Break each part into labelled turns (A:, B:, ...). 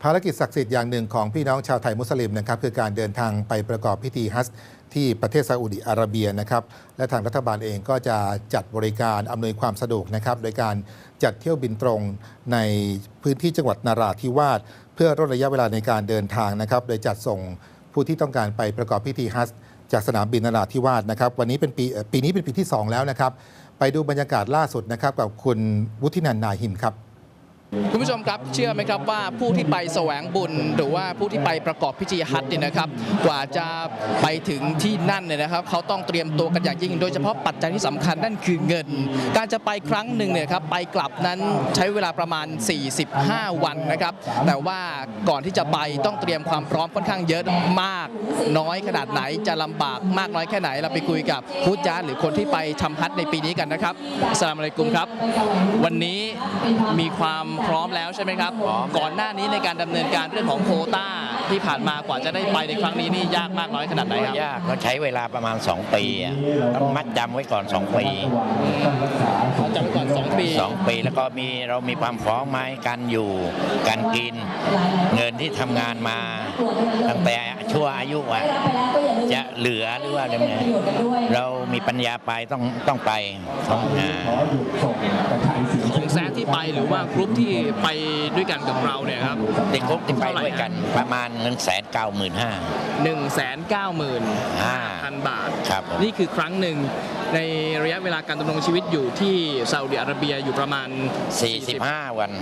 A: ารกิจศักดิ์สิทธิ์อย่างหนึ่งของพี่น้องชาวไทยมุสลิมนะครับคือการเดินทางไปประกอบพิธีฮัจญ์ที่ประเทศซาอุดิอาระเบียนะครับและทางรัฐบาลเองก็จะจัดบริการอำนวยความสะดวกนะครับโดยการจัดเที่ยวบินตรงในพื้นที่จังหวัดนราธิวาสเพื่อลดระยะเวลาในการเดินทางนะครับโดยจัดส่งผู้ที่ต้องการไปประกอบพิธีฮัจญ์จากสนามบินนราธิวาสนะครับวันนี้เป็นปีนี้เป็นปีที่2แล้วนะครับไปดูบรรยากาศล่าสุดนะครับกับคุณวุฒินันท์ นาหิมครับ
B: คุณผู้ชมครับเชื่อไหมครับว่าผู้ที่ไปแสวงบุญหรือว่าผู้ที่ไปประกอบพิธีฮัจญ์เนี่ยนะครับกว่าจะไปถึงที่นั่นเนี่ยนะครับเขาต้องเตรียมตัวกันอย่างยิ่งโดยเฉพาะปัจจัยที่สำคัญนั่นคือเงินการจะไปครั้งหนึ่งเนี่ยครับไปกลับนั้นใช้เวลาประมาณ45วันนะครับแต่ว่าก่อนที่จะไปต้องเตรียมความพร้อมค่อนข้างเยอะมากน้อยขนาดไหนจะลำบากมากน้อยแค่ไหนเราไปคุยกับผู้จ้าหรือคนที่ไปทำฮัจญ์ในปีนี้กันนะครับอัสสลามุอะลัยกุมครับวันนี้มีความพร้อมแล้วใช่ไหมครับก่อนหน้านี้ในการดำเนินการเรื่องของโควต้าที่ผ่านมากว่าจะได้ไปในครั้งนี้นี่ยากมากน้อยขนาดไหนครับ
C: ยากก็ใช้เวลาประมาณ2ปีต้องมัดจำไว้ก่อน2ปี
B: จำไว้ก่อน2 ปี
C: แล้วก็เรามีความพร้อมไหมการอยู่การกินเงินที่ทำงานมาตั้งแต่ชั่วอายุจะเหลือหรือว่าอะไรเนี่ยเรามีปัญญาไปต้องไป
B: ของแซะที่ไปหรือว่ากรุ๊ปที่ไปด้วยกันกับเราเนี่ยครับ
C: เด็กกรุ๊ปที่ไปด้วยกันประมาณ
B: 195,000 บาท
C: ครับ
B: นี่คือครั้งหนึ่งในระยะเวลาการดำรงชีวิตอยู่ที่ซาอุดิอาระเบียอยู่ประมาณ
C: 45 วัน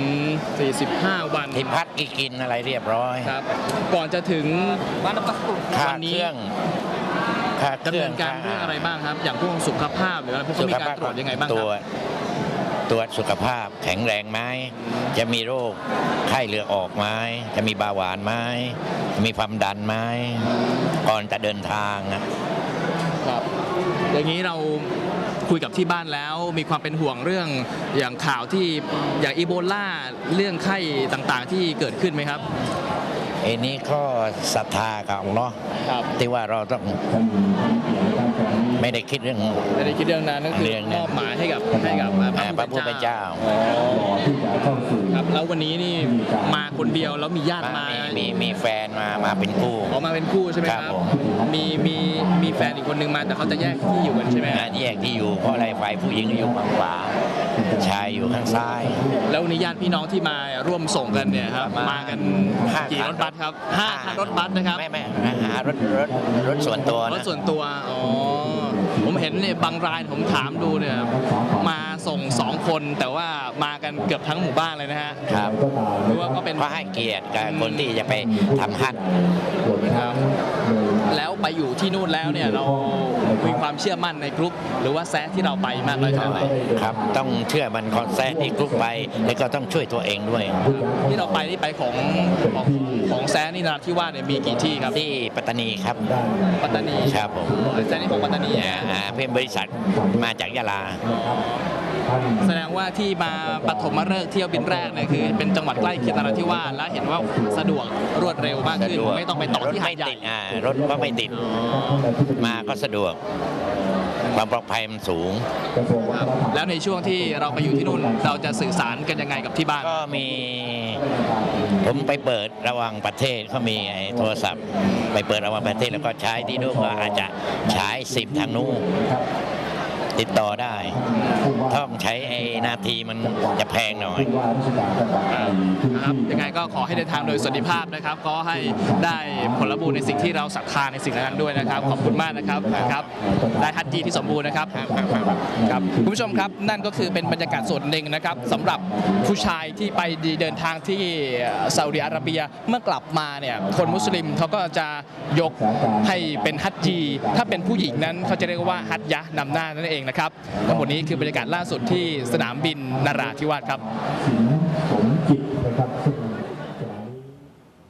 B: 45 วัน
C: ที่พักกินอะไรเรียบร้อย
B: ครับก่อนจะถึงวันนี้ดำเนินการเรื่องอะไรบ้างครับอย่างพวกสุขภาพหรืออะไรพวกมีการตรวจยังไงบ้างครับ
C: ตรวจสุขภาพแข็งแรงไหมจะมีโรคไข้เลือดออกไหมจะมีเบาหวานไหมมีความดันไหมก่อนจะเดินทาง
B: ครับอย่างนี้เราคุยกับที่บ้านแล้วมีความเป็นห่วงเรื่องอย่างข่าวที่อย่างอีโบลาเรื่องไข้ต่างๆที่เกิดขึ้นไหมครับ
C: นี้ก็ศรัทธากับอัลเลาะห์ที่ว่าเราต้องไม่ได้คิดเรื่อง
B: นั้นนั่นคือมอบหมายให้กับ
C: พระผู้เป็นเจ้า
B: ครับแล้ววันนี้นี่มาคนเดียวแล้วมีญาติ
C: มีแฟนมาเป็นคู่
B: มาเป็นคู่ใช่ไหมครับมีแฟนอีกคนนึงมาแต่เขาจะแยกที่อยู่กันใช่ไหม
C: แยกที่อยู่เพราะอะไรฝ่ายผู้หญิงอยู่ข้างขวาชายอยู่ข้างซ้าย
B: แล้ววันนี้ญาติพี่น้องที่มาร่วมส่งกันเนี่ยครับมากันกี่รถบัสครับ5 คันรถบัสนะครับ
C: ไม่รถส่วนตัว
B: อ๋อผมเห็นเนี่ยบางรายผมถามดูเนี่ยมาส่ง2 คนแต่ว่ามากันเกือบทั้งหมู่บ้านเลยนะฮะ
C: ครับ
B: หรือว่าก็เป็น
C: เพราะให้เกียรติกับคนที่จะไปทำฮัจญ์
B: ครับแล้วไปอยู่ที่นู่นแล้วเนี่ยเรามีความเชื่อมั่นในกรุ๊ปหรือว่าแซะที่เราไปมากน้อยขนาดไหน
C: ครับต้องเชื่อมันคอนแซะที่กรุ๊ปไปแล้วก็ต้องช่วยตัวเองด้วย
B: ที่เราไปนี่ไปของแซะนี่นราธิวาสเนี่ยมีกี่ที่ครับ
C: ที่ปัตตานีครับ
B: ปัตตานี
C: ครับผม
B: แซะนี่ของปัตตานี
C: เพื่อนบริษัทมาจากยะลา
B: แสดงว่าที่มาปฐมฤกษ์เที่ยวบินแรกเนี่ยคือเป็นจังหวัดใกล้เคียงนราธิวาสและเห็นว่าสะดวกรวดเร็วมากขึ้นไม่ต้องไปต่อที่หาดใหญ่
C: รถก็ไม่ติดมาก็สะดวกความปลอดภัยมันสูง
B: แล้วในช่วงที่เราไปอยู่ที่นู่นเราจะสื่อสารกันยังไงกับที่บ้าน
C: ก็มีผมไปเปิดระหว่างประเทศเขามีโทรศัพท์ไปเปิดระหว่างประเทศแล้วก็ใช้ที่นู่นก็อาจจะใช้10ทางนู้นติดต่อได้ต้องใช้นาทีมันจะแพงหน่อย
B: นะครับยังไงก็ขอให้เดินทางโดยสวัสดิภาพนะครับก็ให้ได้ผลบุญในสิ่งที่เราศรัทธาในสิ่งนั้นด้วยนะครับขอบคุณมากนะครับได้ฮัจญีที่สมบูรณ์นะครับครับคุณผู้ชมครับนั่นก็คือเป็นบรรยากาศส่วนหนึ่งนะครับสำหรับผู้ชายที่ไปเดินทางที่ซาอุดิอาระเบียเมื่อกลับมาเนี่ยคนมุสลิมเขาก็จะยกให้เป็นฮัจญีถ้าเป็นผู้หญิงนั้นเขาจะเรียกว่าฮัจญะนำหน้านั่นเองนะครับทั้งหมดนี้คือบรรยากาศล่าสุดที่สนามบินนราธิวาสครับ